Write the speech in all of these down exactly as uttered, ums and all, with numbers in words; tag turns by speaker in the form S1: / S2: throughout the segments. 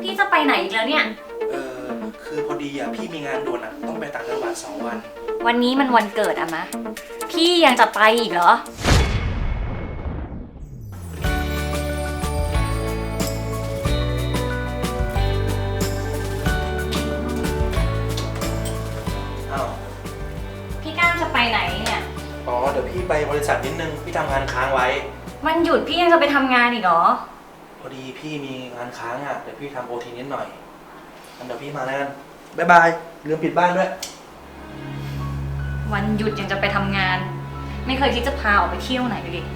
S1: พี่จะไปไหนอีกแล้วเนี่ย
S2: เออคือพอดีอ่ะพี่มีงานด่วนอ่ะต้องไปต่างจังหวัดสองวัน
S1: วันนี้มันวันเกิดอะมะพี่ยังจะไปอีกเหรอ
S2: อ้าว
S1: พี่ก้าวจะไปไหนเนี่ย
S2: อ๋อเดี๋ยวพี่ไปบริษัทนิดนึงพี่ทำงานค้างไว้
S1: วันหยุดพี่ยังจะไปทำงานอีกเหรอ
S2: พอดีพี่มีงานค้างอ่ะเดี๋ยวพี่ทำโอทีนิดหน่อยงั้นเดี๋ยวพี่มาแล้วกันบ๊ายบายลืมปิดบ้านด้วย
S1: วันหยุดยังจะไปทำงานไม่เคยคิดจะพาออกไปเที่ยวไหนเลยดิ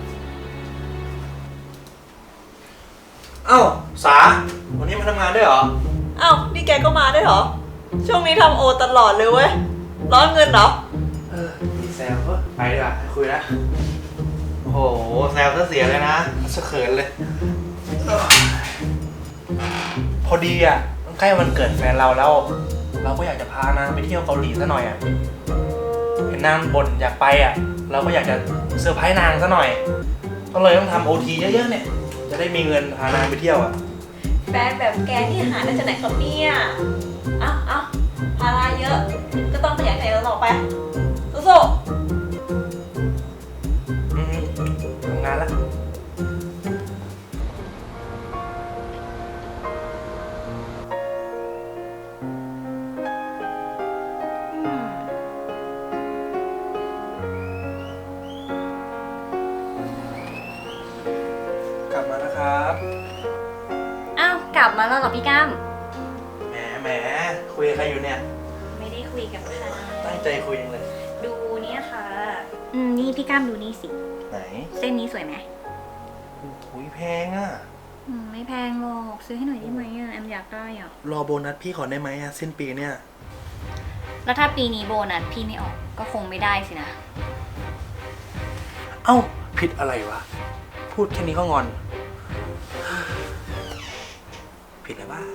S2: เอ้าสาวันนี้มาทำงานด้วยเหรอ
S3: อ้าวนี่แกก็มาได้เหรอช่วงนี้ทำโอตลอดเลยเว้ยร้อนเงินเหรอ
S2: เออพี่แซวก็ไปดีกว่าคุยนะโอ้โหแซวซะเสียเลยนะสะเขินเลยพอดีอ่ะใกล้วันเกิดแฟนเราแล้วเราก็อยากจะพานางไปเที่ยวเกาหลีซะหน่อยอ่ะเห็นนางบ่นอยากไปอ่ะเราก็อยากจะเซอร์ไพรส์นางซะหน่อยก็เลยต้องทำโอทีเยอะๆเนี่ยจะได้มีเงินพานางไปเที่ยวอ่ะ
S3: แฟนแบบแกที่หาได้จากไหนครับเนี่ยอ้าวอ้าวภาระเยอะก็ต้องขยันขยันต่อไปสู้
S2: อืมทำงานละกลับมาแล้วครับ
S1: อ้าวกลับมาแล้วเหรอพี่ก้าม
S2: แหมแหมคุยกับใครอยู่เนี่ย
S1: ไม่ได้คุยกับใคร
S2: ตั้งใจคุยยังเลย
S1: ดูเนี่ยค่ะอืมนี่พี่ก้ามดูนี่สิ
S2: ไหน
S1: เส้นนี้สวยไหม
S2: โอ้ยแพงอ่ะ
S1: อืมไม่แพงหรอกซื้อให้หน่อยได้ไหมอ่ะแอมอยากได้อ่ะ
S2: รอโบนัสพี่ขอได้ไหมอ่ะสิ้นปีเนี่ย
S1: แล้วถ้าปีนี้โบนัสพี่ไม่ออกก็คงไม่ได้สินะ
S2: เอ้าผิดอะไรวะพูดแค่นี้ก็งอนผิดอะไรวะ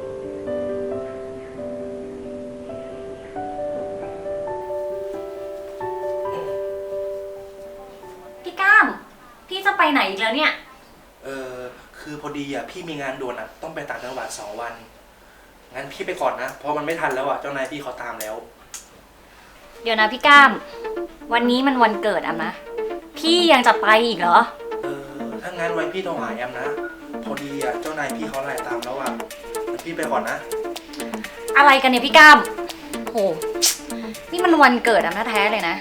S1: พี่ก้ามพี่จะไปไหนอีกแล้วเนี่ย
S2: เออคือพอดีอ่ะพี่มีงานด่วนอ่ะต้องไปต่างจังหวัดสองวันงั้นพี่ไปก่อนนะเพราะมันไม่ทันแล้วอ่ะเจ้านายพี่เขาตามแล้ว
S1: เดี๋ยวนะพี่ก้ามวันนี้มันวันเกิดอะมะพี่ยังจะไปอีกเหรอ
S2: เออถ้างั้นไว้พี่โทรหาแอมนะพอดีอ่ะเจ้านายพี่เขาไล่ตามแล้วอ่ะงั้นพี่ไปก่อนนะ
S1: อะไรกันเนี่ยพี่ก้ามโหนี่มันวันเกิดอะแท้ๆเลยนะ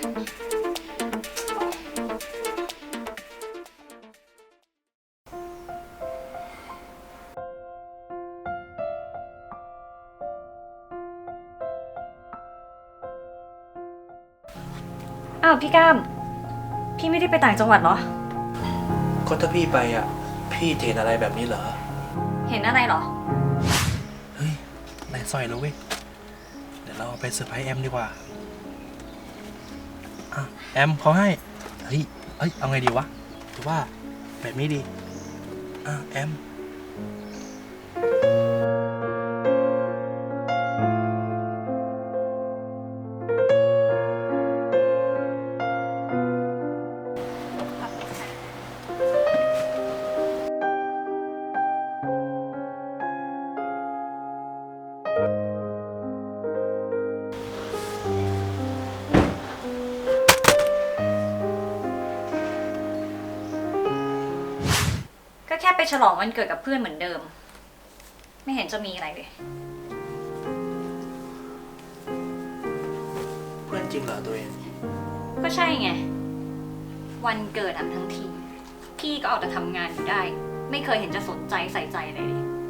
S1: อ้าวพี่ก้ามพี่ไม่ได้ไปต่างจังหวัดเหรอ
S2: ก็ถ้าพี่ไปอ่ะพี่เห็นอะไรแบบนี้เหรอ
S1: เห็นอะไรเหรอ
S2: เฮ้ยนายสร้อยแล้วเว้ยเดี๋ยวเราไปเซอร์ไพรส์แอมดีกว่าอ่ะแอมเขาให้เฮ้ยเอ้ยเอาไงดีวะหรือว่าแบบนี้ดีอ่ะแอม
S1: ก็แค่ไปฉลองวันเกิดกับเพื่อนเหมือนเดิมไม่เห็นจะมีอะไรเลย
S2: เพื่อนจริงเหรอตัวเอง
S1: ก็ใช่ไงวันเกิดอันทั้งทีพี่ก็เอาแต่ทำงานอยู่ได้ไม่เคยเห็นจะสนใจใส่ใจเลย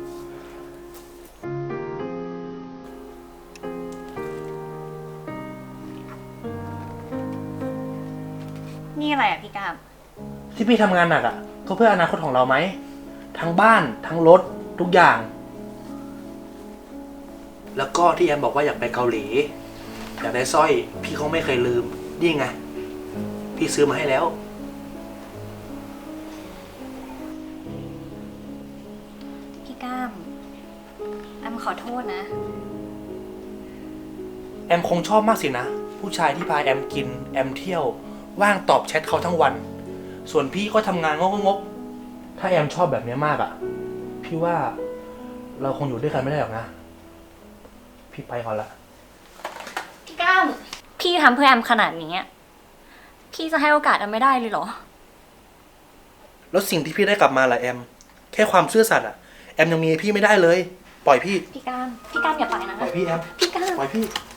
S1: นี่อะไรอ่ะพี่กาม
S2: ที่พี่ทำงานหนักอ่ะก็เพื่ออนาคตของเราไหมทั้งบ้านทั้งรถทุกอย่างแล้วก็ที่แอมบอกว่าอยากไปเกาหลีอยากได้สร้อยพี่เขาไม่เคยลืมนี่ไงพี่ซื้อมาให้แล้ว
S1: พี่ก้ามแอมขอโทษนะ
S2: แอมคงชอบมากสินะผู้ชายที่พาแอมกินแอมเที่ยวว่างตอบแชทเขาทั้งวันส่วนพี่ก็ทำงานงกๆถ้าแอมชอบแบบนี้มากอ่ะพี่ว่าเราคงอยู่ด้วยกันไม่ได้หรอกนะ พี่ไปก่อนละ
S1: พี่ก้ามพี่ทำเพื่อแอมขนาดนี้อะพี่จะให้โอกาสแอมไม่ได้เลยเหรอ
S2: แล้วสิ่งที่พี่ได้กลับมาล่ะแอม แค่ความซื่อสัตย์อะแอมยังมีให้พี่ไม่ได้เลย ปล่อยพี่
S1: พี่ก้ามพี่ก้ามอย่าไปนะ
S2: ปล่อยพี่แอม
S1: พี่ก้าม
S2: ปล่อยพี่
S1: พ